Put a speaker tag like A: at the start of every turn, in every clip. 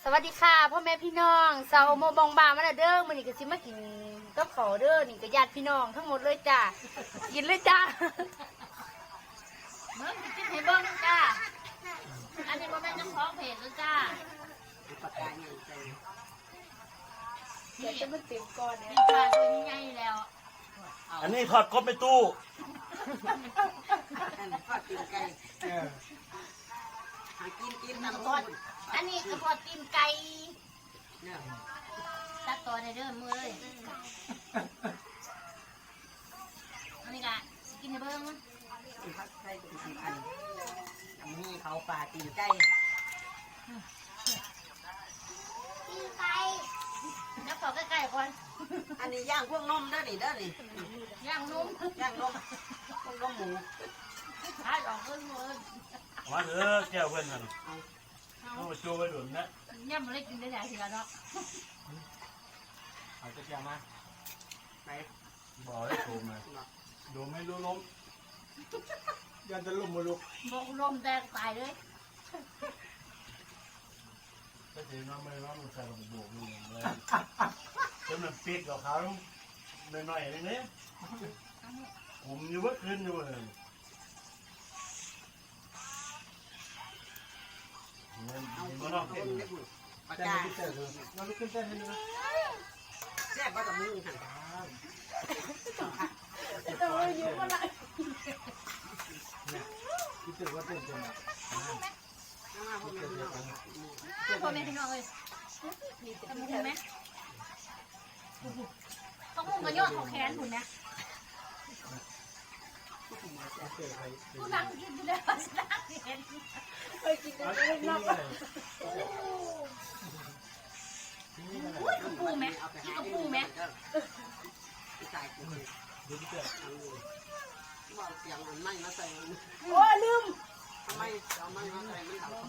A: สวัสดีค่ะพ่อแม่พี่น้องสาวโมบองบามาแล้วเด้อมื้อนี้ก็สิมากินกับข้าวเด้อนี่ก็ญาติพี่น้องทั้งหมดเลยจ้ากินเลยจ้าเบิ่งกินให้เบิ่งจ้าอันนี้บ่แม่นเจ้าของเพจแล้วจ้าเดี๋ยวจะมาเต็มก่อนเนี่ยปลาตัวใหญ่แล้ว
B: อันนี้ทอดกบไปตู้
C: ทอดตีนไก่หากินน้ำ
A: ท
C: ท
A: อ
C: อ
A: ด
C: ด
A: อันนี้ก็ทอดตีนไก่
C: เนี่ย
A: ตัดต่อได้เด้อมือเลยอันนี้ก็กินให้เบิ่ง
C: ผัดไทยเป็นอันมีเขาปลาตีนไก่
A: แล้วขอใกล้ๆก่อน
C: อันนี้ย่างพวกนมเด้อนี่
A: ย่างนุ่ม
C: ย่างนมพวกนมหมู
A: ทายออกเพิ่นเลย
B: มาเถอะแก้วเพื่อนกันต้องมาโชว์ไปด่วนนะ
A: เนี่ยมันเลยกินได้หลายทีแล้วเนาะ
B: เอาจะแก้วมา
C: ไป
B: บอกให้โชว์มาดูไม่รู้ล้มยันจะล้มมาลุก
A: บอกลมแตกตายเลย
B: ก็ถือน้องไม่ร้องมันใส่กระบอกนี่เลยจนมันปิดกับเขาหน่อยๆเลยเนี่ยผมอยู่เมื่อคืนอยู่เลยมันนอก
C: ค
B: เห็น
C: นเล็กหนึ่งปลา
B: แต่
C: กา
B: ไม่เจอเลยมันไม่ขึ้นเต้นให้ดูนะ
C: แซ่บว่ากับมือหัน
A: แต่ว่าอยู่ก็ได้
B: คิดถึงว่าเต้นจัง
C: น้ำพวกนี้เนาะ
A: พ่อแม่พี่น้องเลยทำมุ้งไหมต้องมุ้งกันยอดของแขนหุ่นนะผู้นั่งกินอยู่แล้วนั่งเห็นไปกินกันเลยนับอุ้ยกระปูไหมกินกระปูไหม
C: ใส่กู
B: ดูที่เต้น
C: ว่าเสียงมันไม่มาใส่
A: โอ้ลืม
C: ทำไมเอาไม่มาใส่มันเขา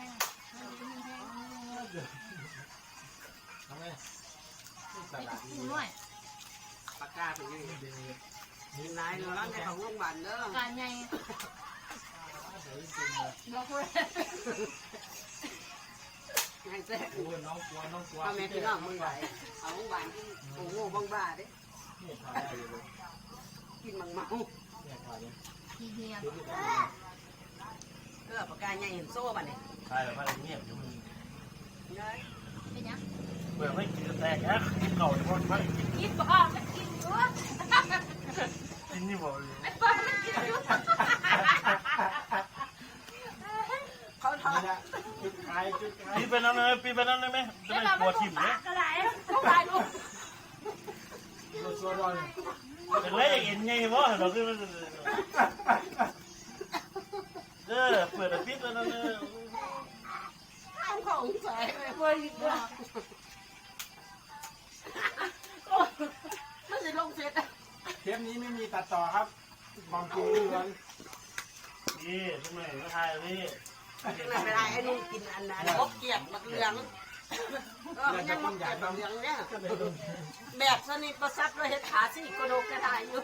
B: ทำไง
A: ไปกระปูหน่อย
C: ปลากาเป็นยังไงนายเราล้างในของโรงพยาบาลเด้อ
A: การไงบอกเลย
C: ไงแซ่
B: โอ้น้องกลัวน้องกลัว
C: พ่อแม่พี่น้องมึงไหวเอาโรงพยาบาลที่โอ้โหบ้างบ้าเด้
B: เนี่ยถ่ายอยู่เลย
C: กินมังเมา
B: เนี่ยถ่ายเลย
A: ทีเดียว
C: ปากกาใหญ่เห็นโซ่ป่ะเนี่ย
B: ถ่ายแบบว่าเงียบอยู่มึง
C: เนย
A: เป็นยัง
B: เบื่อไม่กินแตกนะกินเก่าอยู่คนไม่
A: กินบ้าไม่กินด้วย
B: กินนี่บอกเลย
A: ไอ้บ้าไม่กินด้วย
C: เขาทอด
B: จุดขายปีไปนั่นเลยปีไปนั่นเลยไหมจะไม่กลัวทิ่มเลย
A: กระไรเขาไรลูก
B: เป็นไรอย่างเงี้ยวะเราคือเปิดปิดแล้วนั่นเลย
C: เอาของใส่ไป
A: เว้ยบ้า
C: ไม่ใช่ลงเสร็จ
D: เทปนี้ไม่มีตัดต่อครับบางทีล้วน
B: นี่ทำไมก็ถ่ายนี่
C: ไม่ได้ไอ้นุ่งกินอันนั้นบกเกียดบักเหลืองมันยังบกเกียดบักเหลืองเนี่ยแบบสนิทประซับด้วยเห็ดขาสิกระโดกกระดายอยู่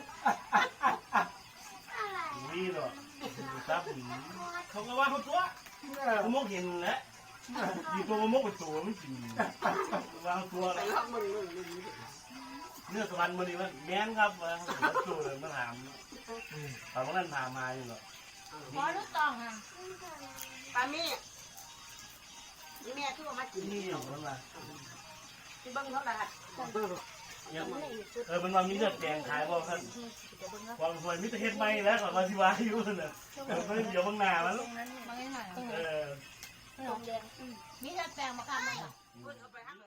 B: นี่หรอซับเขาก็ว่าเขาตัวเขามกเห็นแล้วดีตัวมกเป็นตัวไม่จริงวางตัว
C: ไป
B: แล้ว
C: รอบมึง
B: เนื้อสวรรค์มันนี่มันแม่นครับตัวเลยมาถามถามว่านั่นพามาอยู่หรอ
A: ขอลูกตองอ่ะ
C: ปามี่นี่แม่ที่ว่ามากิน
B: นี่อย่างนั้นล่ะ
C: ที่เบิ้งเท่าไหร่
B: มันว่ามีเลือดแดงขายว่าท่านความสวยมิตรเฮ็ดไม่แล้วก่อนมาที่ว่าอยู่น่ะเดี๋ยวบางนามัน
A: ตรงนั้นบางไอ้หน่อย
B: เออ
A: มีแต่แปลงมาค่ะ